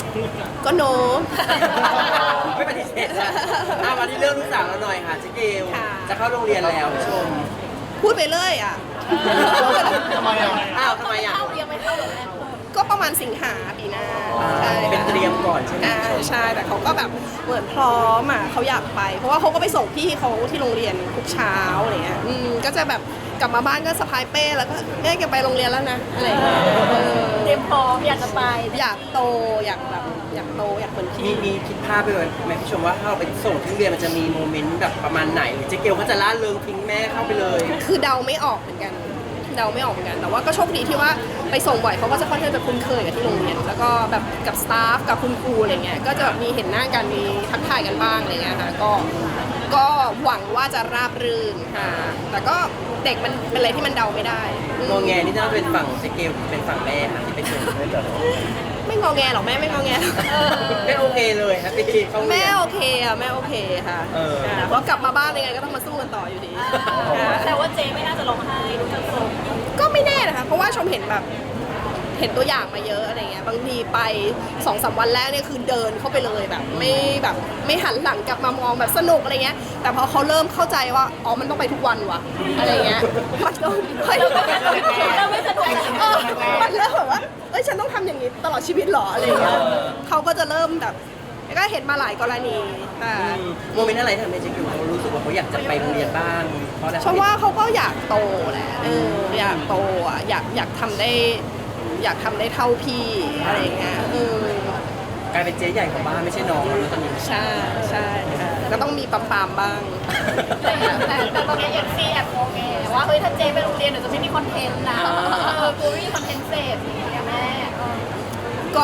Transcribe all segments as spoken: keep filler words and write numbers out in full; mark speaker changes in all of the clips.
Speaker 1: ก็โน
Speaker 2: ไม่ปฏิเสธนะอ่ะมาที่เรื่องลูกสาวเราหน่อยค่ะเจ๊เกล
Speaker 1: ค่ะ
Speaker 2: จะเข้าโรงเรียนแล้วผู้ชม
Speaker 1: พูดไปเลยอ่ะ
Speaker 3: ทำไมอ่ะ
Speaker 2: อ้าวทำไมอ่ะ
Speaker 4: เข้ายังไม่เข้าหรอกแม่
Speaker 1: ก็ประมาณสิงหาปีหน้า
Speaker 2: อ่า
Speaker 1: ใช่
Speaker 2: เป็นเตรียมก่อนใช่ไหม
Speaker 1: อ่าใช่แต่เขาก็แบบเหมือนพร้อมอ่ะเขาอยากไป เพราะว่าเขาก็ไปส่งพี่เขาที่โรงเรียนทุกเช้าอะไรเงี้ยอืมก็จะแบบกลับมาบ้านก็สะพายเป้แล้วก็แม่แกไปโรงเรียนแล้วนะอะไรเงี้ยเออ
Speaker 4: เตรียมพร้อมอยากจะไป
Speaker 1: อยากโตอยากแบบอยากโตอยากเหมือน
Speaker 2: มี
Speaker 1: พี่
Speaker 2: มีคิดภาพไปเลยไหมผู้ชมว่าถ้าเราไปส่งที่โรงเรียนมันจะมีโมเมนต์แบบประมาณไหนหรือเจ๊เกลเขาจะล่าเริงทิ้งแม่เข้าไปเลย
Speaker 1: คือเดาไม่ออกเหมือนกันเดาไม่ออกเหมือนกันแต่ว่าก็โชคดีที่ว่าไปส่งบ่อยเขาก็จะค่อนข้างจะคุ้นเคยกับที่โรงเรียนแล้วก็แบบกับสตาฟกับคุณครูอะไรเงี้ยก็จะแบบมีเห็นหน้ากันมีทักทายกันบ้างอะไรเงี้ยค่ะก็ก็หวังว่าจะราบรื่นค่ะแต่ก็เด็กมันเป็นอะไรที่มันเดาไม่ได้อืม
Speaker 2: งอแงนี่น่าเป็นฝั่งเจ๊เกลเป็นฝั่งแม่ค่ะที่ไปส่ง
Speaker 1: ไม่งอแงหรอกแม่ไม่งอแงหรอก
Speaker 2: ไม่โอเคเลยครับพี่เข้าโรง
Speaker 1: แม่
Speaker 2: เรียน
Speaker 1: โอเคอะแม่โอเคค่ะ
Speaker 2: เออ
Speaker 1: ค่ะเพราะกลับมาบ้านยังไงก็ต้องมาสู้กันต่ออยู่ดีค่ะ
Speaker 4: แต่ว่าเจ๊ไม่น่าจะร้องไห้ดูจากทรง
Speaker 1: ก็ไม่แน่นะคะ เพราะว่าชมเห็นแบบเห็นตัวอย่างมาเยอะอะไรเงี้ย บางทีไปสองสามวันแรกเนี่ยคือเดินเข้าไปเลยแบบ ไม่แบบไม่หันหลังกลับมามองแบบสนุกอะไรเงี้ย แต่พอเขาเริ่มเข้าใจว่าอ๋อมันต้องไปทุกวันว่ะอะไรเงี้ยมันต้องเฮ้ย
Speaker 4: เราไม่สะดวก
Speaker 1: เออมันเริ่มแบบว่าเอ้ยฉันต้องทำอย่างนี้ตลอดชีวิตเหรออะไรเงี้ยเขาก็จะเริ่มแบบก็เห็นมาหลายกรณีค่ะ
Speaker 2: อืมโมเมนต์อะไรทำให้เจ๊เกลเขารู้สึกว่าเขาอยากจะไปโรงเรียนบ้างเพราะอะไร
Speaker 1: ชมว่าเขาก็อยากโตแหละเอออยากโตอ่ะอยากอยากทำได้ อยากทำได้เท่าพี่อะไรเงี้ยเออก
Speaker 2: ลายเป็นเจ๊ใหญ่ของบ้านไม่ใช่น้องแล้วตอนนี้
Speaker 1: ใช่ใช่ค่ะก็ต้องมีปั๊มปามๆบ้าง
Speaker 4: แต่แต่แต่ตอนนี้ยังซีแอบโมเงว่าเฮ้ยถ้าเจ๊ไปโรงเรียนเดี๋ยวจะไม่มีคอนเทนต์นะเออกูไม่มีคอนเทนต์เสพอย่างเงี้ยแม่
Speaker 1: ก็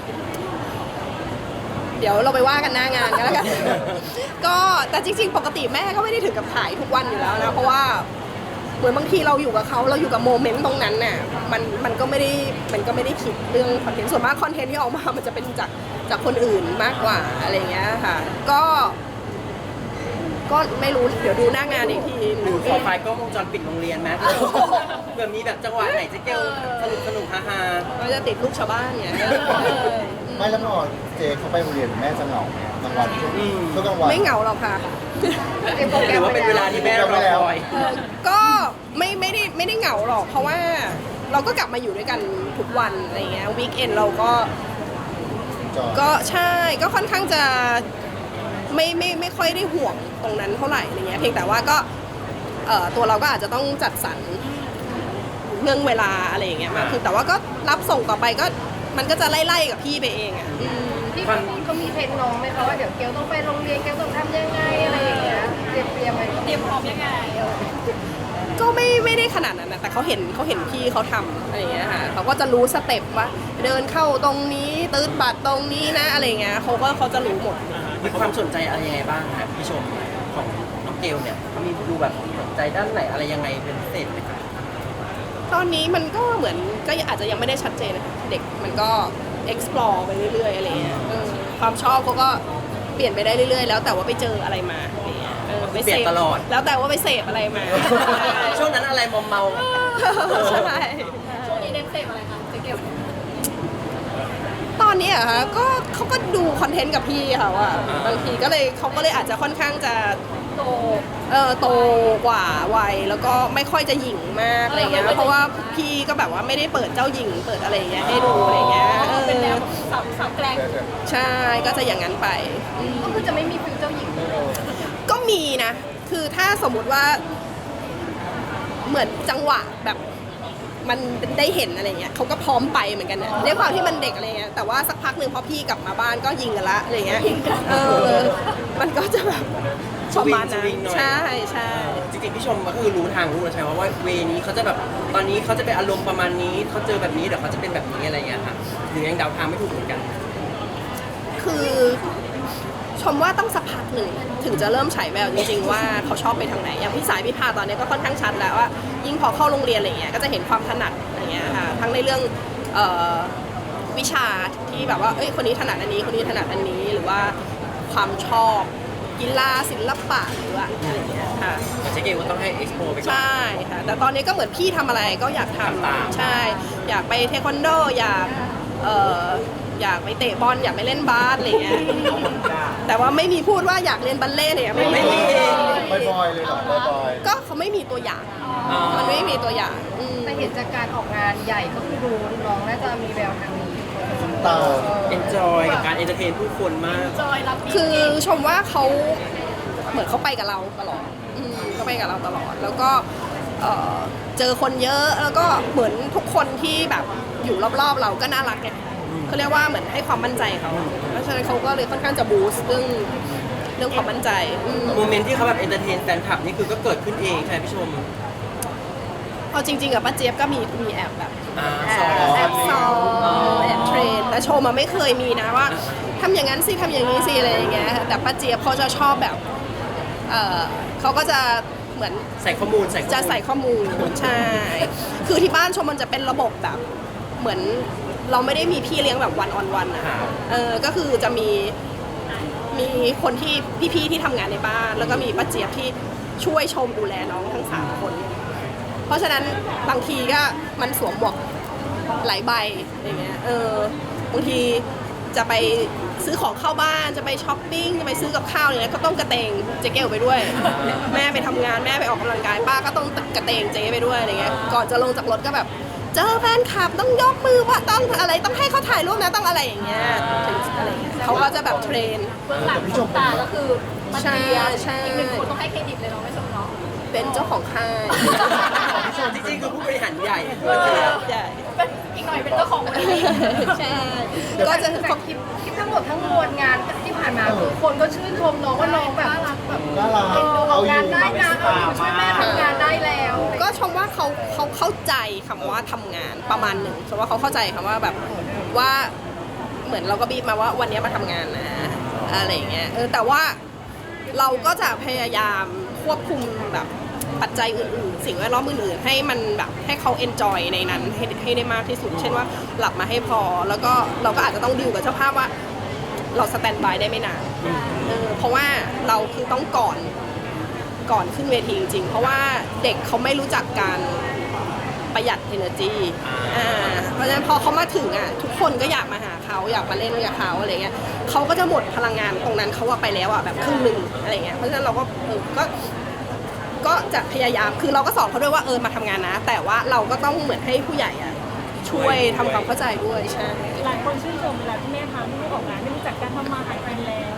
Speaker 1: เดี๋ยวเราไปว่ากันหน้างานกันแล้วกัน ก็แต่จริงๆ ปกติแม่ก็ไม่ได้ถึงกับถ่ายทุกวันอยู่แล้วนะเพราะว่าเหมือนบางทีเราอยู่กับเขาเราอยู่กับโมเมนต์ตรงนั้นน่ะมันมันก็ไม่ได้มันก็ไม่ได้คิดเรื่องคอนเทนต์ส่วนมากคอนเทนต์ที่ออกมา มันจะเป็นจากจากคนอื่นมากกว่าอะไรเงี้ยค่ะ ก็ ก็ไม่รู้เดี๋ยวดูหน้างานอีกที
Speaker 2: หรือขอไฟล์กล้องวงจรปิดโรงเรียนไหมเผื่อมีแบบจังหวะไหนเจ๊เกลสนุกสนุกฮาฮา
Speaker 1: ก็จะติดลูกชาวบ้านเนี่ย
Speaker 3: ไม่แล้วพอเจเขาไปโรงเรียนแม่จะเหงาไหมกลางวันช่วงช่วงกลางวัน
Speaker 1: ไม่เหงาหรอกค่ะ
Speaker 2: หรือว่าเป็นเวลาที่แม่รอคอย
Speaker 1: ก็ไม่ไม่ได้ไม่ได้เหงาหรอก เพราะว่าเราก็กลับมาอยู่ด้วยกันทุกวันอะไรเงี้ยวีคเอนเราก็
Speaker 3: จอด
Speaker 1: ก็ใช่ก็ค่อนข้างจะไม่ไม่ไม่ค่อยได้ห่วงตรงนั้นเท่าไหร่อะไรเงี้ยเพียงแต่ว่าก็เอ่อตัวเราก็อาจจะต้องจัดสรรเรื่องเวลาอะไรอย่างเงี้ยมากคือแต่ว่าก็รับส่งต่อไปก็มันก็จะไล่ๆกับพี่ไปเองอ่ะอืม
Speaker 5: พี่เขาเขามีเทรนน้องไหมคะว่าเดี๋ยวเกลต้องไปโรงเรียนเกลต้องทำยังไงอะไรอย่างเงี้ยเตรียมเตรียมไว้
Speaker 4: เตรียมพร้อมยังไงเออ
Speaker 1: ก็ไม่ไม่ได้ขนาดนั้นนะแต่เขาเห็นเขาเห็นพี่เขาทำอะไรอย่างเงี้ยค่ะเขาก็จะรู้สเต็ปว่า เดินเข้าตรงนี้ตืดบัตรตรงนี้นะอะไรเงี้ยเขาก็เขาจะรู้หมด
Speaker 2: มีความสนใจอะไรยังไงบ้างครับพี่ชมของน้องเกลเนี่ยเขามีดูแบบสนใจด้านไหนอะไรยังไงเป็นพิเศษไหมครับ
Speaker 1: ตอนนี้มันก็เหมือนก็อาจจะยังไม่ได้ชัดเจนนะคะเด็กมันก็ explore ไปเรื่อยๆอะไรเงี้ยเออความชอบเขาก็เปลี่ยนไปได้เรื่อยๆ แล้วแต่ว่าไปเจออะไรมาอะไรเงี้ยเออไปเสพแล้วแต่ว่าไปเสพอะไรมา
Speaker 2: ช่วงนั้นอะไรมอมเมา
Speaker 1: ใช่
Speaker 4: ช่วงนี้เน้นเสพอะไรคะเจ๊เกล
Speaker 1: ตอนนี้อะคะก็เขาก็ดูคอนเทนต์กับพี่ค่ะว่าบางทีก็เลยเขาก็เลยอาจจะค่อนข้างจะ
Speaker 4: โต
Speaker 1: เออโตกว่าวัยแล้วก็ไม่ค่อยจะหยิ่งมากอะไรเงี้ยเพราะว่าพี่ก็แบบว่าไม่ได้เปิดเจ้าหญิงเปิดอะไรเงี้ยให้ดูอะไรเงี้ยเอ
Speaker 4: เป็นแน
Speaker 1: อ
Speaker 4: วสาวสาวแกล้ง
Speaker 1: ใช่ก็จะอย่างนั้นไปอืม
Speaker 5: ก็คือจะไม่มีฟิวเจ้าหญิงเลย
Speaker 1: ก็มีนะ คือถ้าสมมุติว่า เหมือนจังหวะแบบมันได้เห็นอะไรเงี้ยเขาก็พร้อมไปเหมือนกันนะด้วยความที่มันเด็กอะไรเงี้ยแต่ว่าสักพักหนึ่งพอพี่กลับมาบ้านก็ยิงกันละอะไรเงี้ยเออมันก็จะแบบประมาณนั้นใช่ใช่
Speaker 2: จริงๆพี่ชมก็คือรู้ทางรู้แล้วใช่ไหมว่าเวนี้เขาจะแบบตอนนี้เขาจะเป็นอารมณ์ประมาณนี้เขาเจอแบบนี้เดี๋ยวเขาจะเป็นแบบนี้อะไรเงี้ยค่ะหรือยังเดาทางไม่ถูกเหมือนกัน
Speaker 1: คือชมว่าต้องสักพักหนึ่งถึงจะเริ่มฉายแววจริงๆว่าเขาชอบไปทางไหนอย่างพี่สายพี่พาตอนนี้ก็ค่อนข้างชัดแล้วว่ายิ่งพอเข้าโรงเรียนอะไรเงี้ยก็จะเห็นความถนัดอะไรเงี้ยค่ะทั้งในเรื่องเอ่อวิชาที่แบบว่าเอ้ยคนนี้ถนัดอันนี้คนนี้ถนัดอันนี้หรือว่าความชอบกีฬาศิลปะหรือว่าอะไรเงี้ยค่ะ
Speaker 2: เจ๊เกลก็ต้องให้ explore ไปก่อน
Speaker 1: ใช่ค่ะแต่ตอนนี้ก็เหมือนพี่ทำอะไรก็อยากท
Speaker 2: ทำตาม
Speaker 1: ำใช่ อยากไปเทควันโดอยากเอ่ออยากไปเตะบอลอยากไปเล่นบาสอะไรเงี้ยแต่ว่าไม่มีพูดว่าอยากเรียนบัลเล่ต์เนี่ยไม่มี
Speaker 3: บ่อยๆเลยเหรอบ่อย
Speaker 1: ก็เขาไม่มีตัวอย่าง
Speaker 2: อ๋อ
Speaker 1: มันไม่มีตัวอย่างอืม
Speaker 5: แต่เห็นจากการออกงานใหญ่ก็คือดูน้องน่าจะมีแววทางนี้
Speaker 3: ๆตา
Speaker 2: enjoy กับการ entertain ผู้คนมาก
Speaker 4: จอยรับปี
Speaker 1: คือชมว่าเขาเหมือนเขาไปกับเราตลอดอืมเขาไปกับเราตลอด แล้วก็เอ่อเจอคนเยอะแล้วก็เหมือนทุกคนที่แบบอยู่รอบๆเราก็น่ารักไงเขาเรียกว่าเหมือนให้ความมั่นใจเขาเพราะฉะนั้นเขาก็เลยค่อนข้างจะบูสต์เรื่องเรื่องความมั่นใจอืม
Speaker 2: โมเมนต์ที่เขาแบบ entertain แฟนคลับนี่คือก็เกิดขึ้นเองใช่ไหมพี่ชม
Speaker 1: เอาจริงๆกับป้าเจี๊ยบก็มีมีแอบแบบ
Speaker 2: อ่า
Speaker 1: แอ
Speaker 2: สอบ ง
Speaker 1: แอบซ้อมแอบเทรนแต่โชว์มาไม่เคยมีนะว่าทำอย่างนั้นสิทำอย่างนี้สิอะไรอย่างเงี้ยแต่ป้าเจี๊ยบเขาจะชอบแบบเออเขาก็จะเหมือน
Speaker 2: ใส่ข้อมูลใส่ข้อมูล
Speaker 1: จะใส่ข้อมูลใช่คือที่บ้านชมมันจะเป็นระบบแบบเหมือนเราไม่ได้มีพี่เลี้ยงแบบวันออนวันอะเออก็คือจะมีมีคนที่พี่ๆที่ทำงานในบ้าน แล้วก็มีป้าเจี๊ยบที่ช่วยชมดูแลน้องทั้งสามคน เพราะฉะนั้นบางทีก็มันสวมหมวกหลายใบอย่างเงี้ย เออบางทีจะไปซื้อของเข้าบ้าน จะไปช้อปปิ้ง จะไปซื้อกับข้าวอะไรเงี้ยก็ต้องกระเตงเจ๊เกลไปด้วย แม่ไปทำงานแม่ไปออกกำลังกายป้าก็ต้องกระเตงเจ๊ไปด้วยอะไรเงี้ย ก่อนจะลงจากรถก็แบบเจอแฟนคลับต้องยกมือว่าต้องอะไรต้องให้เขาถ่ายรูปนะต้องอะไรอย่างเงี้ยถึงอะไรเงี้ยเขาก็จะแบบเทรน
Speaker 4: เบื้องหลังของตาก็คือมัน
Speaker 1: ใช่
Speaker 4: เดีย
Speaker 1: ใช่
Speaker 4: อีกหนึ่งคนต้องให้เครดิตเลยเนาะไม่ชมเนาะ
Speaker 1: เป็นเจ้าของค่าย
Speaker 2: จริงๆคือผู้บริหารใหญ่
Speaker 1: ใหญ่
Speaker 4: เป็นอีกหน่อยเป็นเจ้าของบริษัท
Speaker 1: ใช่ก็จะ
Speaker 5: แต่คลิปคลิปทั้งหมดทั้งมวลงานที่ผ่านมาคือคนก็ชื่นชมน้องว่าน้องแบบ
Speaker 4: แบบ
Speaker 3: น่ารัก
Speaker 5: เอ็นดู
Speaker 3: เอา
Speaker 5: ออก
Speaker 3: อง
Speaker 5: าน
Speaker 3: ยู่
Speaker 5: ได้นะเอาอยู่ช่วยแม่ทำงานได้แล้ว
Speaker 1: ก็ชมว่าเขาเขาเข้าใจคำว่าทำงานประมาณหนึ่งชมว่าเขาเข้าใจคำว่าแบบว่าเหมือนเราก็บีบมาว่าวันนี้มาทำงานนะอะไรอย่างเงี้ยเออแต่ว่าเราก็จะพยายามควบคุมแบบปัจจัยอื่นๆ สิ่งแวดล้อมอื่นๆให้มันแบบให้เขาเอนจอยในนั้นให้ให้ได้มากที่สุด เช่นว่าหลับมาให้พอ แล้วก็เราก็อาจจะต้องดิวกับเจ้าภาพว่า เราสแตนบายได้ไม่นานเออเพราะว่าเราคือต้องก่อนก่อนขึ้นเวทีจริงๆ เพราะว่าเด็กเขาไม่รู้จักการประหยัด energy อ่าเพราะฉะนั้นพอเขามาถึงอ่ะทุกคนก็อยากมาหาเขาอยากมาเล่นกับเขาอะไรเงี้ยเขาก็จะหมดพลังงานตรงนั้นเขาว่าไปแล้วอ่ะแบบครึ่งหนึ่งอะไรเงี้ยเพราะฉะนั้นเราก็เออก็ก็จะพยายามคือเราก็สอนเขาด้วยว่าเออมาทำงานนะ แต่ว่าเราก็ต้องเหมือนให้ผู้ใหญ่อ่ะช่วยทำความเข้าใจด้วยใช่
Speaker 6: หลายคนชื่นชมเวลาที่แม่พาลูกออกงานไม่รู้จักการทำมาหากินแล้ว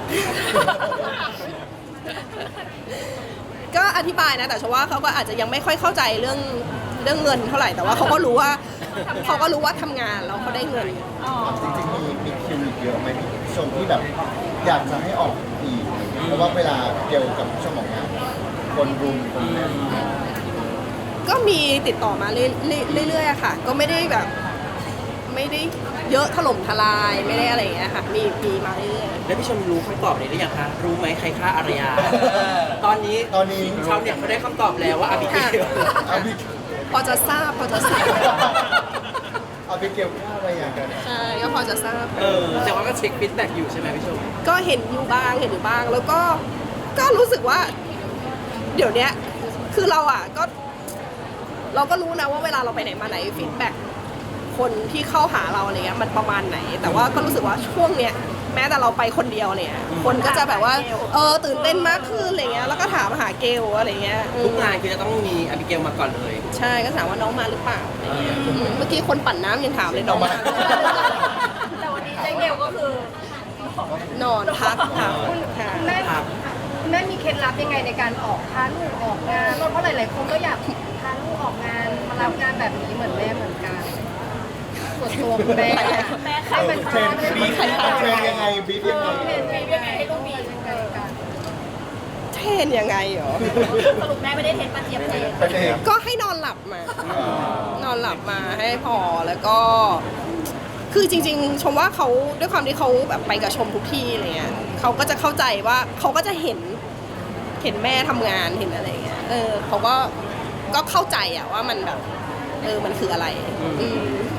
Speaker 1: ก็อธิบายนะแต่ฉันว่าเขาก็อาจจะยังไม่ค่อยเข้าใจเรื่องเรื่องเงินเท่าไหร่แต่ว่าเขาก็รู้ว่าเขาก็รู้ว่าทำงานแล้วเขาได้เงิน
Speaker 3: จริงๆมีมีคิวอีกเยอะไหมพี่ชมที่แบบอยากจะให้ออกอีกเพราะว่าเวลาเกี่ยวกับช่วงของงาน คนรุมคนแน่น
Speaker 1: ก็มีติดต่อมาเรื่อยๆเรื่อยๆอะค่ะ ก็ไม่ได้แบบไม่ได้เยอะถล่มทลายไม่ได้อะไรอย่างเงี้ยค่ะมีมีมาเรื่อย
Speaker 2: แล้วพี่ชมรู้คำตอบนี้หรือยังคะ รู้ไหมใครฆ่าอารยา ตอนนี้
Speaker 3: ตอนนี้
Speaker 2: ชาวเน็ตเขาได้คำตอบแล้วว่าอาบิเกล
Speaker 3: อาบิ
Speaker 1: ๆพอจะทราบพอจะทราบ
Speaker 3: อาบิเกลฆ่าอะไรอย่างกัน
Speaker 1: ใช่ก็พอจะทราบ
Speaker 2: เออแต่ว่าก็เช็คฟีดแบ็กอยู่ใช่ไหมพี่ชม
Speaker 1: ก็เห็นอยู่บ้างเห็นอยู่บ้าง แล้วก็ก็รู้สึกว่า เดี๋ยวเนี้ยคือเราอ่ะก็ เราก็รู้นะว่าเวลาเราไปไหนมาไหนฟีดแบ็กคนที่เข้าหาเราอะไรเงี้ยมันประมาณไหน แต่ว่าก็รู้สึกว่าช่วงเนี้ยแม้แต่เราไปคนเดียวเนี่ยคนก็จะแบบว่าเออตื่นเต้นมากขึ้นอะไรเงี้ยแล้วก็ถามหาเกลอะไรเงี้ยอืม
Speaker 2: ทุกงานคือจะต้องมีอาบิเกลมาก่อนเลย
Speaker 1: ใช่ก็ถามว่าน้องมาหรือเปล่าอะไรเงี้ยอืมเมื่อกี้คนปั่นน้ำยังถามเลยน้องมา
Speaker 4: แต่วันนี้เจ๊เกลก็คือน
Speaker 1: อนพักค่ะค่ะ
Speaker 5: แม่
Speaker 2: ครับ
Speaker 5: แม่มีเคล็ดลับยังไงในการออกพาลูกออกงานเพราะหลายๆคนก็อยากพาลูกออกงานมารับงานแบบนี้เหมือนแม่เหมือนกันส่วนตัวคุณแม่อะให้มัน
Speaker 3: เทรนบีบเทรนยังไงบีบยังไง
Speaker 5: เทรนยังไงให้ลูกมียังไงกัน
Speaker 1: เทรนยังไงเหรอ
Speaker 4: สรุปแม่ไม่ได้เทนปาเจี๊ยบเทน
Speaker 3: ไปเอง
Speaker 1: ก็ให้นอนหลับมา นอนหลับมาให้พอแล้วก็ คือจริงๆ ชมว่าเขาด้วยความที่เขาแบบไปกับชมทุกที่อะไรเงี้ยเขาก็จะเข้าใจว่าเขาก็จะเห็นเห็นแม่ทำงานเห็นอะไรเงี้ยเออเขาก็ก็เข้าใจอะว่ามันแบบเออมันคืออะไรอืม